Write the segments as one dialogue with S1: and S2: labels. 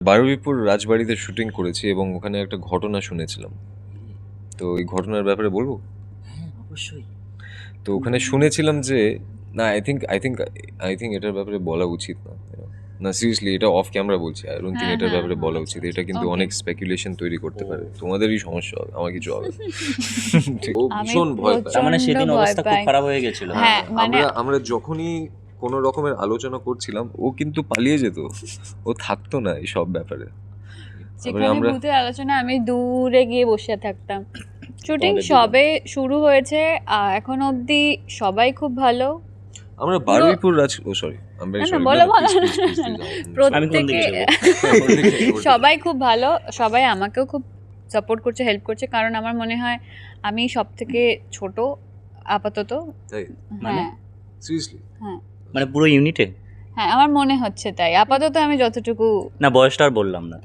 S1: বারুইপুর রাজবাড়িতে শুটিং করেছি এবং ওখানে একটা ঘটনা শুনেছিলাম। তো এই ঘটনার ব্যাপারে বলবো?
S2: হ্যাঁ, অবশ্যই।
S1: তো ওখানে শুনেছিলাম যে না, আই থিঙ্ক এটার ব্যাপারে বলা উচিত না। না, সিরিয়াসলি, এটা অফ ক্যামেরা বলছি। আই ডোন্ট থিঙ্ক এটার ব্যাপারে বলা উচিত। এটা কিন্তু
S3: Okay.
S1: অনেক স্পেকুলেশন তৈরি করতে পারে। তোমাদেরই সমস্যা হবে, আমার কিছু হবে না। ঠিক। ও
S3: আমি
S1: ভীষণ ভয় পায়।
S2: তার মানে সেদিন
S3: প্রচণ্ড ভয়
S2: অবস্থা খুব
S3: পাই।
S2: খারাপ হয়ে গেছিল।
S3: হ্যাঁ, মানে
S1: আমরা যখনই কোনো রকমের আলোচনা করছিলাম, ও কিন্তু পালিয়ে যেত। ও থাকতো না এই সব ব্যাপারে।
S3: যেখানে
S1: আমরা
S3: ভূতের আলোচনা আমি দূরে গিয়ে বসে থাকতাম। শুটিং
S2: তোমাদের
S3: সবে শুরু হয়েছে, এখন অবধি সবাই খুব ভালো।
S1: আমরা বারুইপুর সরি, আমরা
S3: না, না,
S1: sorry,
S3: বলো, বলো।
S2: আমি কোন দিকে
S3: প্রত্যেকে
S2: যাবো?
S3: সবাই খুব ভালো, সবাই আমাকেও খুব সাপোর্ট করছে, হেল্প করছে, কারণ আমার মনে হয় আমি সব থেকে ছোট আপাতত।
S1: তাই?
S2: মানে?
S3: হ্যাঁ,
S1: সিরিয়াসলি?
S3: হ্যাঁ,
S2: মানে পুরো ইউনিটে?
S3: হ্যাঁ, আমার মনে হচ্ছে তাই আপাতত আমি যতটুকু
S2: না, বয়সটা আর বললাম না।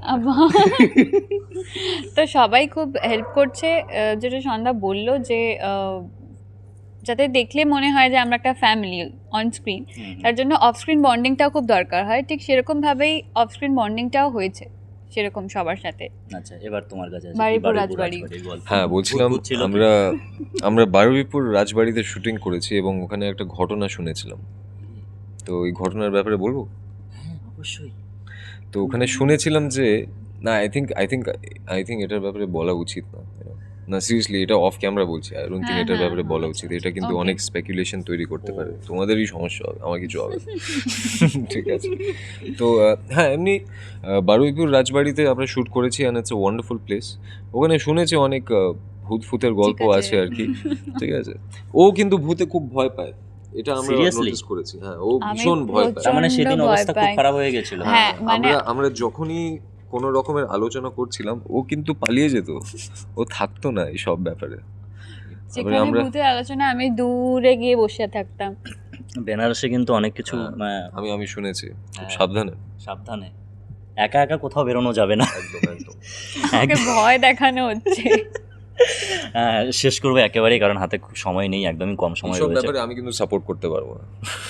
S3: তো সবাই খুব হেল্প করছে। যেটা সন্ধ্যা বললো যে যাতে দেখলে মনে হয় যে আমরা একটা ফ্যামিলি অন স্ক্রিন, তার জন্য অফ স্ক্রিন বন্ডিংটাও খুব দরকার হয়। ঠিক সেরকমভাবেই অফ স্ক্রিন বন্ডিংটাও হয়েছে সেরকম সবার সাথে।
S2: আচ্ছা, এবার তোমার কাছে আছে
S3: বারুইপুর রাজবাড়ি।
S1: হ্যাঁ, বলছিলাম
S2: ছিল কি?
S1: আমরা বারুইপুর রাজবাড়িতে শুটিং করেছি এবং ওখানে একটা ঘটনা শুনেছিলাম। তো এই ঘটনার ব্যাপারে বলবো?
S2: হ্যাঁ, অবশ্যই।
S1: তো ওখানে শুনেছিলাম যে না, আই থিঙ্ক এটার ব্যাপারে বলা উচিত না। না, সিরিয়াসলি, এটা অফ ক্যামেরা বলছি। আই ডোন্ট থিঙ্ক এটার ব্যাপারে বলা উচিত। এটা কিন্তু
S3: Okay.
S1: অনেক স্পেকুলেশন তৈরি করতে পারে। তোমাদেরই সমস্যা হবে, আমার কিছু হবে না। ঠিক আছে। তো হ্যাঁ, এমনি বারুইপুর রাজবাড়িতে আমরা শ্যুট করেছি and it's a wonderful place. ওখানে শুনেছি অনেক ভূতের গল্প
S3: ঠিক আছে।
S1: আছে আর কি। ঠিক আছে। ও কিন্তু ভূতে খুব ভয় পায়, এটা আমরা
S2: Seriously?
S1: নোটিস করেছি। হ্যাঁ, ও
S3: আমি
S1: ভীষণ ভয় পায়।
S2: তার মানে
S3: প্রচণ্ড
S2: সেদিন
S3: ভয়
S2: অবস্থা খুব
S3: পাই।
S2: খারাপ হয়ে গেছিল।
S3: হ্যাঁ, মানে
S1: আমরা যখনই কোনো রকমের আলোচনা করছিলাম, ও কিন্তু পালিয়ে যেত। ও থাকতো না এই সব ব্যাপারে।
S3: যেখানে
S1: আমরা
S3: ভূতের আলোচনা আমি দূরে গিয়ে বসে থাকতাম।
S2: বেনারসে কিন্তু অনেক কিছু
S1: আমি শুনেছি, খুব
S2: হ্যাঁ।
S1: সাবধানে।
S2: সাবধানে, একা একা কোথাও বেরোনো যাবে না।
S1: একদম একদম।
S3: আমাকে ভয় দেখানো হচ্ছে।
S2: শেষ করবো একেবারেই, কারণ হাতে খুব সময় নেই, একদমই কম সময়
S1: এইসব
S2: রয়েছে।
S1: ব্যাপারে আমি কিন্তু সাপোর্ট করতে পারবো না।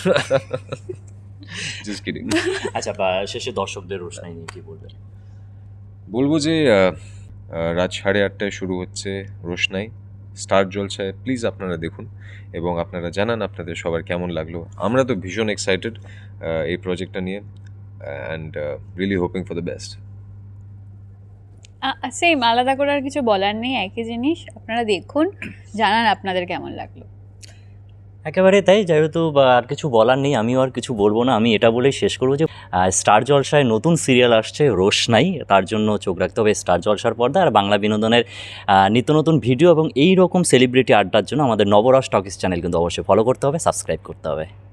S1: Just kidding.
S2: আচ্ছা, শেষে দর্শকদের রোশনাই নিয়ে কি বলবেন?
S1: বলবো যে রাত 8:30টায় শুরু হচ্ছে রোশনাই, স্টার জলসায়। প্লিজ আপনারা দেখুন এবং আপনারা জানান আপনাদের সবার কেমন লাগলো। আমরা তো ভীষণ এক্সাইটেড এই প্রজেক্টটা নিয়ে, and really hoping for the best.
S3: Same, আলাদা করে আর কিছু বলার নেই, একই জিনিস। আপনারা দেখুন, জানান আপনাদের কেমন লাগলো।
S2: একেবারে তাই, যেহেতু আর কিছু বলার নেই, আমিও আর কিছু বলবো না। আমি এটা বলেই শেষ করবো যে স্টার জলসায় নতুন সিরিয়াল আসছে রোশনাই, তার জন্য চোখ রাখতে হবে স্টার জলসার পর্দা। আর বাংলা বিনোদনের নিত্য নতুন ভিডিও এবং এই রকম সেলিব্রিটি আড্ডার জন্য আমাদের নবরস টকিস চ্যানেল কিন্তু অবশ্যই ফলো করতে হবে, সাবস্ক্রাইব করতে হবে।